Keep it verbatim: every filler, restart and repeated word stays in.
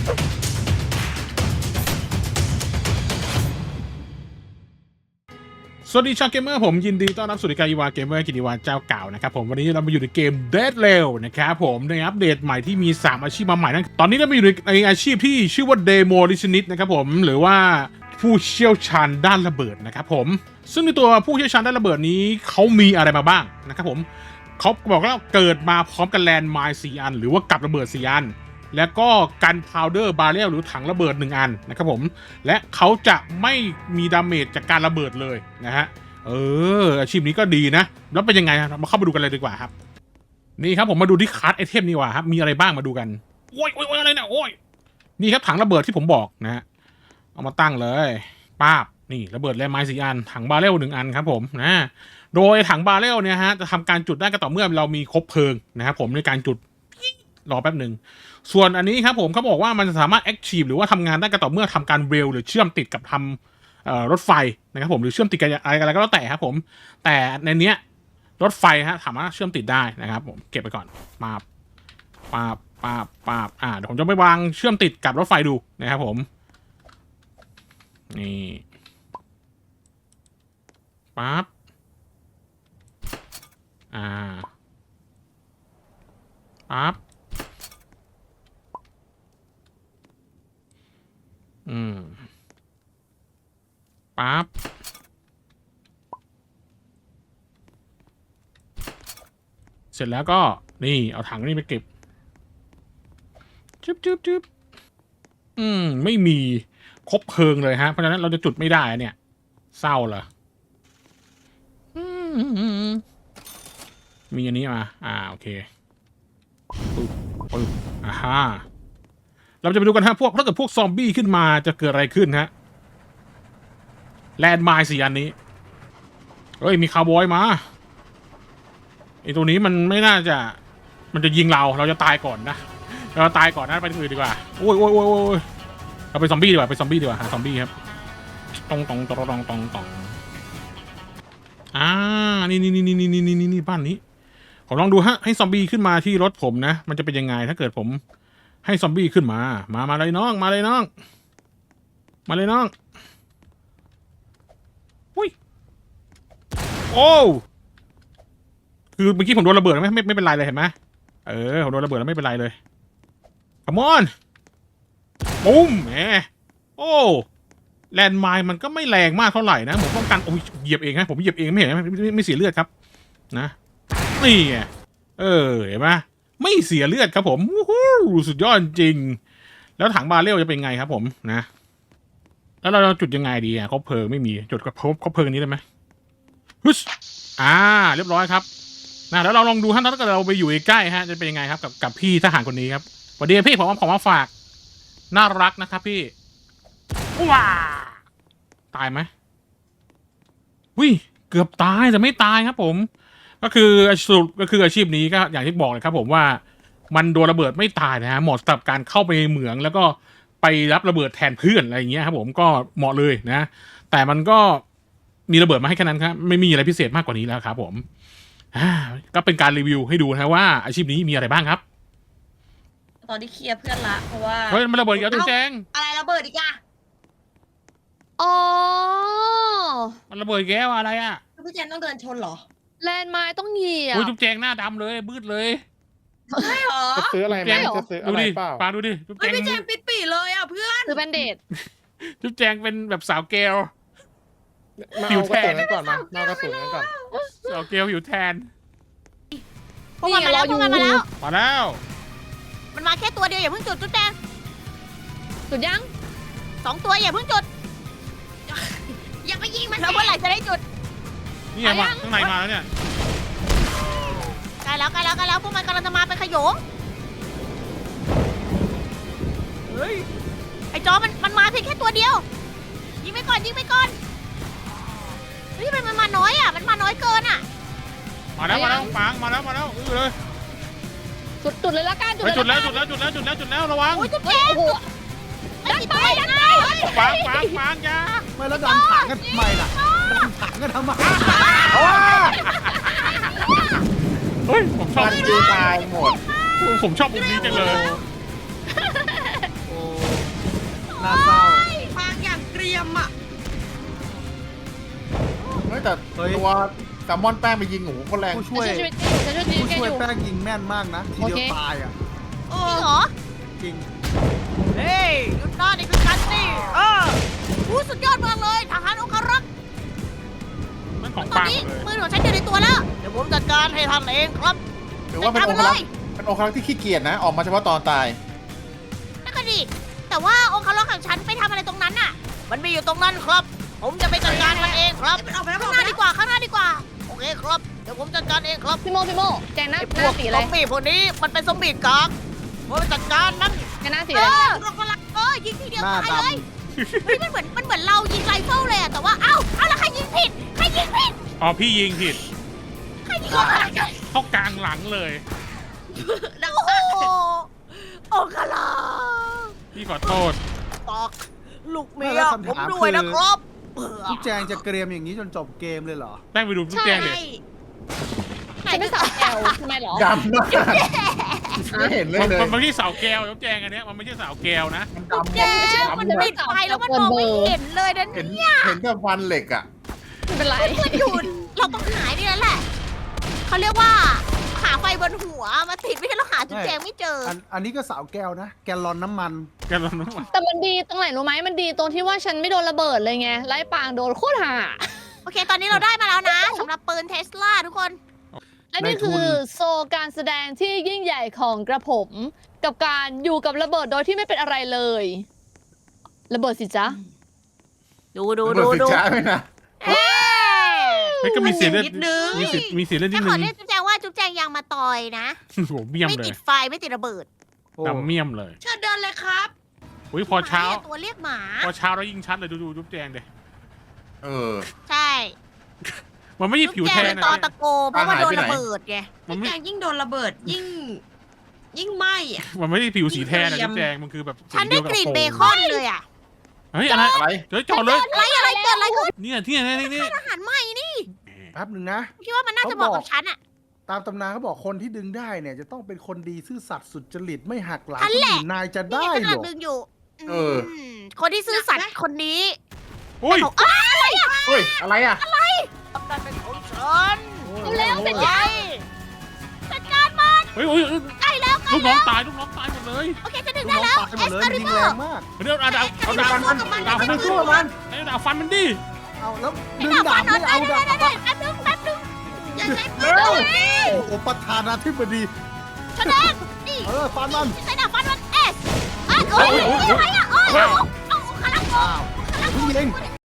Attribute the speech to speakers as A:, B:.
A: สวัสดีชาวเกมเมอร์ผมยินดีต้อนรับสู่รายการอีวาเกมเมอร์กิติวาเจ้าเก่านะครับผมวันนี้เรามาอยู่ในเกม Dead Rail นะครับผมในอัปเดตใหม่ที่มีสามอาชีพมาใหม่นั่นตอนนี้เรามาอยู่ในอาชีพที่ชื่อว่า Demolitionist นะครับผมหรือว่าผู้เชี่ยวชาญด้านระเบิดนะครับผมซึ่งในตัวผู้เชี่ยวชาญด้านระเบิดนี้เขามีอะไรมาบ้างนะครับผมเขาบอกว่าเกิดมาพร้อมกันแลนด์ไมน์สี่อันหรือว่ากับระเบิดสี่อันแล้วก็กันพาวเดอร์บาเรลหรือถังระเบิดหนึ่งอันนะครับผมและเขาจะไม่มีดาเมจจากการระเบิดเลยนะฮะเอออาชีพนี้ก็ดีนะแล้วเป็นยังไงครับมาเข้ามาดูกันเลยดีกว่าครับนี่ครับผมมาดูที่คัสไอเทมนี่ว่าครับมีอะไรบ้างมาดูกันโอ้ยโอ้ยอะไรเนี่ยโอ้ยนี่ครับถังระเบิดที่ผมบอกนะฮะเอามาตั้งเลยป้าบนี่ระเบิดแลนด์ไมน์สี่อันถังบาเรลหนึ่งอันครับผมนะโดยถังบาเรลเนี่ยฮะจะทำการจุดได้ก็ต่อเมื่อเรามีครบเพลิงนะครับผมในการจุดรอแป๊บหนึ่งส่วนอันนี้ครับผมเขาบอกว่ามันจะสามารถ active หรือว่าทำงานได้ก็ต่อเมื่อทำการเรลหรือเชื่อมติดกับทำรถไฟนะครับผมหรือเชื่อมติดกับอะไรอะไรก็แล้วแต่ครับผมแต่ในเนี้ยรถไฟฮะสามารถเชื่อมติดได้นะครับผมเก็บไปก่อนมาปาบปาบปาบอ่าเดี๋ยวผมจะไปวางเชื่อมติดกับรถไฟดูนะครับผมนี่ปั๊บอ่าปั๊บอืมปั๊บเสร็จแล้วก็นี่เอาถังนี่ไปเก็บจึ๊บจึ๊บจึ๊บอืมไม่มีครบเพลิงเลยฮะเพราะฉะนั้นเราจะจุดไม่ได้เนี่ยเศร้าเหรอมีอันนี้มาอ่าโอเคปึ๊บปึ๊บอ่าฮะเราจะไปดูกันฮะพวกถ้าเกิดพวกซอมบี้ขึ้นมาจะเกิดอะไรขึ้นฮะแลนด์ไมน์สี่อันนี้เฮ้ยมีคาวบอยมาไอตัวนี้มันไม่น่าจะมันจะยิงเราเราจะตายก่อนนะเราตายก่อนนะไปที่อื่นดีกว่าโอ้ยโอ้ยโอ้ยโอ้ยเราไปซอมบี้ดีกว่าไปซอมบี้ดีกว่าหาซอมบี้ครับตองตองตองตองตองตองอ่านี่นี่นี่นี่นี่นี่นี่นี่บ้านนี้ผมลองดูฮะให้ซอมบี้ขึ้นมาที่รถผมนะมันจะเป็นยังไงถ้าเกิดผมให้ซอมบี้ขึ้นมามามาเลยน้องมาเลยน้องมาเลยน้องอุ้ยโอ้คือเมื่อกี้ผมโดนระเบิดไม่ไม่ไม่เป็นไรเลยเห็นไหมเออผมโดนระเบิดแล้วไม่เป็นไรเลยคัมอนปุ้มแหมโอ้แลนด์ไมน์มันก็ไม่แรงมากเท่าไหร่นะเหมือนป้องกันโอ้ยเหยียบเองนะผมเหยียบเองไม่เห็นไหมไม่ไม่เสียเลือดครับนะนี่ไงเออเห็นไหมไม่เสียเลือดครับผมวู้ฮู้สุดยอดจริงแล้วถังบาเรลจะเป็นไงครับผมนะแล้วเราจุดยังไงดีอ่ะคบเพลิงไม่มีจุดกับคบเพลิงนี้ได้ไหมฮึชอ่าเรียบร้อยครับนะแล้วเราลองดูฮะถ้าเกิดเราไปอยู่ใกล้ฮะจะเป็นยังไงครับกับกับพี่ทหารคนนี้ครับสวัสดีพี่ผมเอาของมาฝากน่ารักนะครับพี่ว้าตายไหมวิเกือบตายแต่ไม่ตายครับผมก็คือสรุปก็คืออาชีพนี้ก็อย่างที่บอกเลยครับผมว่ามันโดนระเบิดไม่ตายนะฮะเหมาะสำหรับการเข้าไปในเหมืองแล้วก็ไปรับระเบิดแทนเพื่อนอะไรอย่างเงี้ยครับผมก็เหมาะเลยนะแต่มันก็มีระเบิดมาให้แค่นั้นครับไม่มีอะไรพิเศษมากกว่านี้แล้วครับผมก็เป็นการรีวิวให้ดูนะว่าอาชีพนี้มีอะไรบ้างครับ
B: ตอนที่เคลียร์เพื่อนละเพราะว่า
A: เฮ้ยมันระเบิดอีกแล้วจุ๊บแจง
B: อะไรระเบิดอีกอะ
C: อ๋อ
A: มันระเบิดแก้วอะไรอ่ะ
B: พี่แจนต้องเดินชนเหรอ
C: แลนด์ไม้ต้องเหยียบ
A: โอ้ยจุ๊บแจงหน้าดำเลยบืดเลย
B: ใช่เหรอ
D: จะซื้ออะไรไหมจะซื้ออะไรเปล่า
A: ปาดูดิจุ๊บแจง
B: พี่แจนปิดปีเลยอ่ะเพื่อน
C: ซื้อแบนเดด
A: จุ๊บแจงเป็นแบบสาวเกล
D: มาเอากระสุนกันก่อนมาเอากระสุนกันก่อน
A: สาวเกลอยู่แทน
B: พวกมันมาแล้วพวกมันมาแล้ว
A: มาแล้ว
B: มันมาแค่ตัวเดียวอย่าเพิ่งจุดจุ๊บแจง
C: จุดยัง
B: สองตัวอย่าเพิ่งจุดอย่าไปยิงมันแล้วเมื่อไหร่จะได้จุด
A: นี่ไงมาข้างในมาแล้วเนี่ย
B: ใกล้แล้วใกล้แล้วใกล้แล้วพวกมันกำลังจะมาเป็นขโยงเฮ้ยไอ้จอมันมันมาเพียงแค่ตัวเดียวยิงไปก่อนยิงไปก่อนเฮ้ยมันมาน้อยอ่ะมันมาน้อยเกินอ่ะ
A: มาแล้วมาแล้วปังมาแล้วมาแล้วอื้อเลย
C: จุดจุดเลยละกัน
A: จุดจุดแล้วจุดแล้วจุดแล้วจุดแล้วจุดแล้วระวัง
B: โอ้ยจุดแจ้ง
C: ดันไปดันไป
A: ปังปังปังยา
D: ไม่แล้วดันถังกันทำไมล่ะดันถังกันทำไม
A: เฮ้ยผมชอบ
D: จีตายหมด
A: ผมชอบมุมนี้จังเลย
E: แต่
F: เฮ้ย
E: ตัวแซลมอนแป้งไปยิงหนูคนแรง
F: ผู้
C: ฉั
F: ช่วย
C: นช่วยฉันช่วย
F: ผู้
C: แก
F: ช่วย
C: อยู่
F: แป้งยิงแม่นมากนะทีเดียว
C: โอเค
F: ตายอ่ะ
B: จริงเหรอ
F: จริง
B: เฮ้ยหยุดนะนี่คือกันนี่เออผู้สุดยอดมากเลยทหารองคารักษ์
A: นั่นของ
B: ตอน
A: ปัง
B: นี้
A: เลย
B: มือของฉันอยู่ในตัวแล้ว เดี๋ยวผมจัดการให้ท่านเองครับ
E: หรือว่าเป็น
B: จั
E: อ
B: ด
E: ง
B: การ
E: ค
B: ไป
E: รั
B: เล
E: ก
B: ย
E: ษ์เป็นองครักษ์ที่ขี้เกียจนะ ออกมาเฉพาะตอนตาย
B: นั่นก็ดีแต่ว่าองคารักษ์ของฉันไปทำอะไรตรงนั้นน่ะ มันมีอยู่ตรงนั้นครับ ผมจะไปจัดการมันเองครับข้างหน้าดีกว่าข้างหน้าดีกว่าโอเคครับเดี๋ยวผมจัดการเองครับ
C: พี่โมพี่โมแกหน้า
B: ไอ้
C: ห
B: พ
C: น้าว
B: ก
C: สี
B: ซ
C: อะไร
B: อมบี้พวกนี้มันเป็นซอมบี้กากผมไปจัดการมัน
C: แกหน้าสี
B: เอ
C: อะไร
B: อองคารักษ์เออยิงทีเดียว
F: หน้า
B: ตาย
F: ด
B: เลยเฮ้ยมันเหมือนมันเหมือนเรายิงไรเฟิลเลยอะแต่ว่าเอ้าเอ้าแล้วใครยิงผิดใครยิงผิด
A: อ๋อพี่ยิงผิด
B: ใครยิงองคารักษ์
A: เข้ากลางหลังเลย
B: โอ้โหองคารักษ์
A: พี่ขอโทษ
B: ตอกลูกเมี
F: ไม่
B: ย
F: แล้ว
B: ผม
F: คำถาม
B: ด้วย
F: คือ
B: นะครับ
F: ำทุกแจงจะเกรียมอย่างนี้จนจบเกมเลยเหรอ
A: แป้งไปดูทุกแจงเด็
C: ฉันเป็นสาวแอลทำไมเหรอ
E: ดำมากไม่เห็นเลย
A: มัน
E: เลย
A: มันไม่ใช่เสาแก้วทุกแจงอันเนี้ยมันไม่ใช่เสาแก้วนะ
E: มัน
B: จุ๊บ
E: ดำ
B: แจ๊
E: ดำ
B: มัน
E: แบบ
B: ปิดไฟแล้วมันมองไม่เห็นเลยนะ
E: เห็น
B: เนี่ย
E: เห็นแต่ฟันเหล็กอ่ะ
C: ไม่เป็นไร
B: มันหยุดเราต้องหายนี่แล้วแหละเขาเรียกว่าหาไฟบนหัวมาติดไม่ใช่เราหาจุ๊บแจงไม่เจอ
F: อันอันนี้ก็สาวแก้วนะ แกลลอนน้ำมัน
A: แกลอนน้ำมัน
C: แต่มันดีตรงไหนรู้ไหมมันดีตรงที่ว่าฉันไม่โดนระเบิดเลยไงไล่ปางโดนโคตรห่า
B: โอเค ตอนนี้เราได้มาแล้วนะสำหรับปืนเทสลาทุกคน
C: และนี่
F: ในทุน
C: คือโซการแสดงที่ยิ่งใหญ่ของกระผม กับการอยู่กับระเบิดโดยที่ไม่เป็นอะไรเลย ระเบิดสิจ๊ะ
B: ดูดู
E: ดู
B: ดู
E: สิ
B: ดู
E: จ้าไหมนะ
B: เอ๊ะ
A: เฮ้ยก็มีเสียงเลือด
B: นิดนึง
A: มีเสียงมีเสียงเลือดนิ
B: จะ
A: ด
B: ข
A: นึ
B: อง เรียกจุ๊บแจงว่าจุ๊บแจงยังมาต่อยนะ
A: โหเมี่ยม
B: ไม่
A: เล
B: ติ
A: ย
B: ดไฟไม่ติดระเบิด
F: โอ้
A: ดำเมี่ยมเลย
B: เชิญเดินเลยครับ
A: อุ้ยพอเช้า
B: หมตัวเรียกหมา
A: พอเช้าแล้วยิงชัดเลยดูดูทุกแจงเด็
E: เออ
B: ใช่
A: มันไม่ใช่ผิว
B: จุ๊บ
A: แท
B: แจง
A: น
B: เป็น
A: นะ
B: ตอตะโกเพราะว่าโดน
E: หายไปไหน
B: ระเบิดไง
A: มันไม่
G: แจงยิ่งโดนระเบิดยิ่ง ยิ่งไหม้อะ
A: มันไม่ได้ผิวสีแทนนะ
G: เกรีย
A: ทุ
G: ม
A: กแจงมันคือแบบสี
B: ฉันได้
A: เยวบ
B: กลิ่น
A: โฟม
B: เบคอนเลยอ่ะ
A: เฮ้ยอะไร
E: อะไร
A: เฮ้ยจอดเลย
B: อะไรอะไรเกิดอะไรขึ้น
A: เนี่ยที่ไหนนี่นี่
B: อาหารใหม่นี่
F: แป๊บหนึ่งนะ
B: คิดว่ามันน่าจะเหมาะกับฉันอ่ะ
F: ตามตำนานเขาบอกคนที่ดึงได้เนี่ย จะต้องเป็นคนดีซื่อสัตย์สุจริตไม่หักหลัง
B: อัน
F: คน
B: แหละ
F: อื่นนายจะ
B: นี่
F: ได้
B: ไงกำ
F: เหร
B: ลัง
F: อ
B: ดึงอยู่
E: เออ
B: มคนที่ซื่อสัตย์คนนี้
A: โอ้ย
B: บอกอ้าวอะไรอ่ะ
E: เฮ้ย อะไรอ่ะ
B: ทำการเป็นของฉัน
C: เร็วๆเป็น
B: ไงจัดการมัน
A: เฮ้ยโอ้ย
B: ใกล้แล้วใกล้
A: ลูกน้อ
B: แล้
A: ง
B: ว
A: ตายลูกน้องตายหมดเลย
B: โอเคจะดึง
F: ลูก
B: ได้
F: น้อง
B: แล้ว
F: ตายหม
B: เอ
F: ด
B: ส
F: เลย
B: คา
F: มัน
B: ริ
F: ยิง
B: เบอร์
F: แรงมาก
A: เดี๋ยวเอาดาวเอาดาว
B: เอา
A: ฟัน
B: ดา
A: ดาว ว
B: ฟั
A: ฟั
B: น
A: น
B: สู้
A: สู้
B: กับมั
A: มัน นไอ้ดาวฟันมันดิ
F: เอาแล้ว
B: ไอ้
F: ดึง
B: ดาบ
F: ดา
B: ฟั
F: บ
B: น
F: ไม่
B: เอา
F: เอา
B: ได้
F: ดา
B: ได้
F: บ
B: ได้แป๊บนึงแป๊บนึงอย่าใช้ปืน
F: เร็ว
B: เลย
F: โอ้โหประธานาธิบดี
B: แสดงนี่
F: เออฟันมัน
B: ใช้ดาบฟันมันเอสอ่ะโอ้ยอะไรอ่ะโอ้ยเอาเอาคาราโก
F: อ้าวเพิ่งยิง